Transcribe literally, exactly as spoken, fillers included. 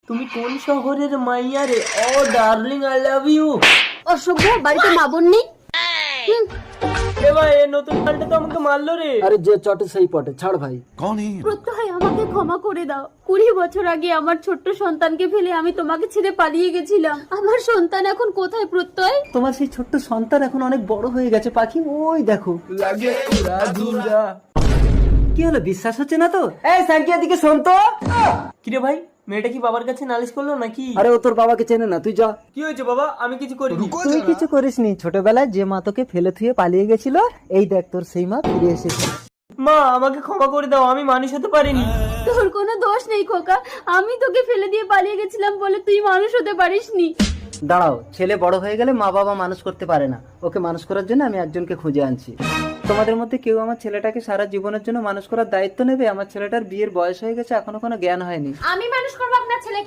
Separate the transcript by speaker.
Speaker 1: তুমি কোন শহরের মাইয়া রে? Oh darling, I love you.
Speaker 2: অসভ্য, বাড়িতে মা বোন নেই? হুম,
Speaker 1: এ ভাই, এ নতুন গানটা তো আমাকে মারলো রে।
Speaker 3: আরে যে চটে সেই পটে, ছাড় ভাই।
Speaker 2: প্রত্যয় আমাকে ক্ষমা করে দাও। কুড়ি বছর আগে আমার ছোট্ট সন্তানকে ফেলে আমি তোমাকে ছেড়ে পালিয়ে গেছিলাম। আমার সন্তান এখন কোথায় প্রত্যয়?
Speaker 1: তোমার সেই ছোট্ট সন্তান এখন অনেক বড় হয়ে গেছে পাখি, ওই দেখো। লাগে উড়া ধুরা। কি হলো, বিশ্বাস হচ্ছে না তো?
Speaker 3: এই সাকিয়া দিকে শোন তো।
Speaker 1: কিরে ভাই, মেয়েটা কি বাবার কাছে নালিশ করলো নাকি?
Speaker 3: আরে ও তোর বাবাকে চেনে না, তুই যা।
Speaker 1: কি হয়েছে বাবা? আমি কিছু করিনি।
Speaker 4: তুই কিছু করিসনি। ছোটবেলায় যে মা তোকে ফেলে থুয়ে পালিয়ে গেছিল, এই দেখ তোর সেই মা ফিরে এসেছে।
Speaker 1: মা, আমাকে ক্ষমা করে দাও, আমি মানুষ হতে পারিনি।
Speaker 2: তোর কোনো দোষ নেই খোকা। আমি তোকে ফেলে দিয়ে পালিয়ে গেছিলাম বলে তুই মানুষ হতে পারিসনি।
Speaker 4: দাঁড়াও, ছেলে বড় হয়ে গেলে মা বাবা মানুষ করতে পারে না। ওকে মানুষ করার জন্য আমি একজনকে খুঁজে আনছি। তোমাদের মধ্যে কেউ আমার ছেলেটাকে সারা জীবনের জন্য মানুষ করার দায়িত্ব নেবে? আমার ছেলেটার বিয়ের বয়স হয়ে গেছে, এখনো কোনো জ্ঞান হয়নি।
Speaker 2: আমি মানুষ করবো আপনার ছেলে।